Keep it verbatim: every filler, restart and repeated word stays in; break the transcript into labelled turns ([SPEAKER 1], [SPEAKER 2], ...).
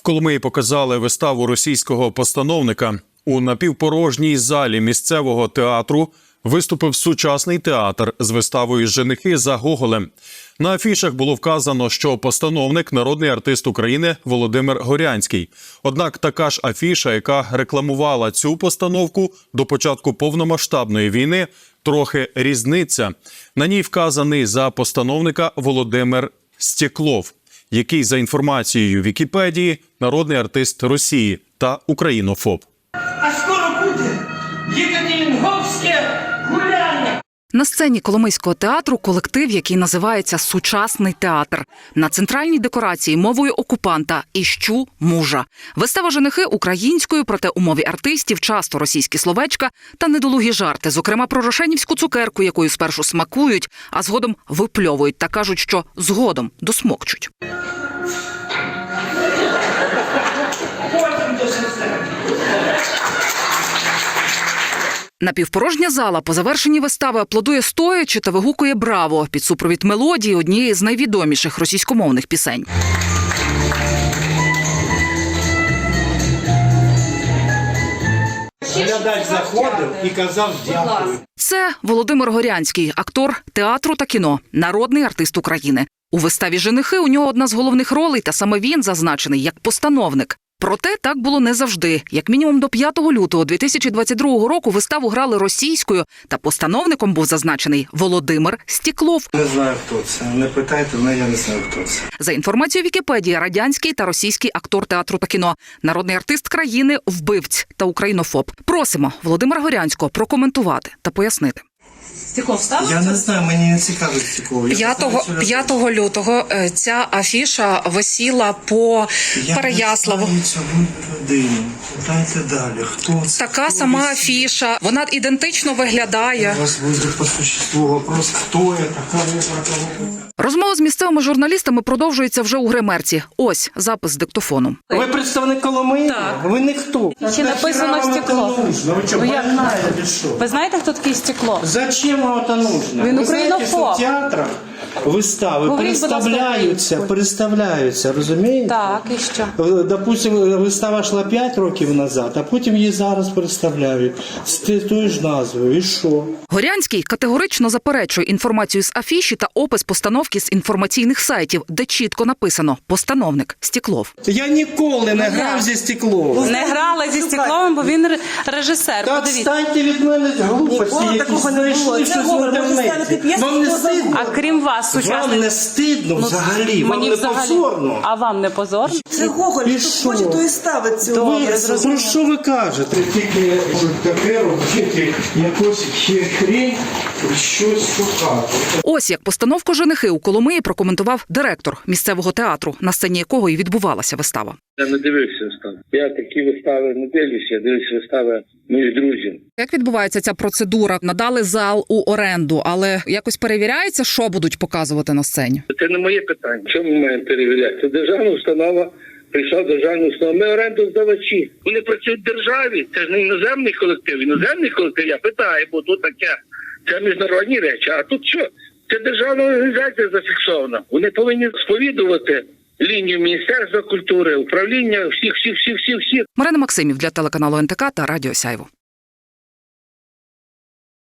[SPEAKER 1] Коломиї показали виставу російського постановника. У напівпорожній залі місцевого театру виступив сучасний театр з виставою «Женихи за Гоголем». На афішах було вказано, що постановник – народний артист України Володимир Горянський. Однак така ж афіша, яка рекламувала цю постановку до початку повномасштабної війни, трохи різниця. На ній вказаний за постановника Володимир Стеклов, який, за інформацією Вікіпедії, народний артист Росії та українофоб.
[SPEAKER 2] А скоро буде Єкатеринговське гуляння.
[SPEAKER 3] На сцені Коломийського театру колектив, який називається «Сучасний театр». На центральній декорації мовою окупанта «Іщу мужа». Вистава «Женихи» українською, проте у мові артистів часто російські словечка та недолугі жарти, зокрема про рошенівську цукерку, якою спершу смакують, а згодом випльовують та кажуть, що згодом досмокчуть. Напівпорожня зала по завершенні вистави аплодує стоячи та вигукує «Браво!» під супровід мелодії однієї з найвідоміших російськомовних пісень.
[SPEAKER 4] Глядач заходив і казав «дякую».
[SPEAKER 3] Це Володимир Горянський, актор театру та кіно, народний артист України. У виставі «Женихи» у нього одна з головних ролей, та саме він зазначений як постановник. Проте так було не завжди. Як мінімум до п'ятого лютого дві тисячі двадцять другого року виставу грали російською, та постановником був зазначений Володимир Стеклов.
[SPEAKER 4] Не знаю, хто це. Не питайте, але я не знаю, хто це.
[SPEAKER 3] За інформацією Вікіпедії, радянський та російський актор театру та кіно, народний артист країни, вбивць та українофоб. Просимо Володимира Горянського прокоментувати та пояснити.
[SPEAKER 5] Стеклов став?
[SPEAKER 4] Я не знаю, мені не цікавить Стеклов.
[SPEAKER 5] п'ятого лютого ця афіша висіла по Переяславу.
[SPEAKER 4] Я не знаю цю людину. Дайте далі. Хто це?
[SPEAKER 5] Така
[SPEAKER 4] хто
[SPEAKER 5] сама
[SPEAKER 4] висіла?
[SPEAKER 5] афіша. Вона ідентично виглядає.
[SPEAKER 4] У вас буде по существу вопрос, хто це, кого, про кого.
[SPEAKER 3] Розмова з місцевими журналістами продовжується вже у гримерці. Ось запис з диктофону.
[SPEAKER 4] Ви представник Коломиї?
[SPEAKER 5] Так.
[SPEAKER 4] Ви ніхто.
[SPEAKER 5] Ще написано «Стеклов».
[SPEAKER 4] Ви що,
[SPEAKER 5] Ну, як
[SPEAKER 4] больная чи що?
[SPEAKER 5] Ви знаєте, хто такий Стеклов?
[SPEAKER 4] Зачем вам это нужно?
[SPEAKER 5] Він
[SPEAKER 4] Ви знаєте, що
[SPEAKER 5] українофоб.
[SPEAKER 4] в театрах вистави
[SPEAKER 5] Говоріть, будь ласка,
[SPEAKER 4] представляються,
[SPEAKER 5] українською.
[SPEAKER 4] представляються, розумієте?
[SPEAKER 5] Так, і що?
[SPEAKER 4] Допустим, вистава йшла п'ять років назад, а потім її зараз представляють з тією ж назвою. І що?
[SPEAKER 3] Горянський категорично заперечує інформацію з афіші та опис постановки з інформаційних сайтів, де чітко написано «Постановник Стеклов».
[SPEAKER 4] Я ніколи не грав зі Стекловим.
[SPEAKER 5] Не грали зі Стекловим, бо він ре- режисер.
[SPEAKER 4] Так,
[SPEAKER 5] Подивіться.
[SPEAKER 4] станьте від мене глупості, якісь знайшли щось в інтернеті. Вам не стидно?
[SPEAKER 5] А крім вас,
[SPEAKER 4] Вам
[SPEAKER 5] сучасний...
[SPEAKER 4] не стидно взагалі? Вам
[SPEAKER 5] Мені
[SPEAKER 4] не
[SPEAKER 5] взагалі...
[SPEAKER 4] позорно?
[SPEAKER 5] А вам не позорно?
[SPEAKER 6] Це Гоголь,
[SPEAKER 4] І
[SPEAKER 6] хто
[SPEAKER 4] що?
[SPEAKER 6] хоче, то і ставить цю.
[SPEAKER 4] Ви, ну що ви кажете? Тільки таке робити, якось хрень, щось шукати.
[SPEAKER 3] Ось як постановку «Женихи» у Коломиї прокоментував директор місцевого театру, на сцені якого і відбувалася вистава.
[SPEAKER 7] Я не дивився вистави. Я такі вистави не дивлюся, я дивлюся вистави моїх друзів.
[SPEAKER 3] Як відбувається ця процедура? Надали зал у оренду, але якось перевіряється, що будуть показувати на сцені?
[SPEAKER 7] Це не моє питання. Чому ми маємо перевіряти? Це державна установа, прийшла державна установа. Ми орендоздавачі. Вони працюють в державі. Це ж не іноземний колектив. Іноземний колектив, я питаю, бо тут таке. Це міжнародні речі. А тут що? Це державна організація зафіксована. Вони повинні сповідувати лінію Міністерства культури, управління, всіх, всіх, всіх, всіх, всіх.
[SPEAKER 3] Марина Максимів для телеканалу ен те ка та Радіо Сяйво.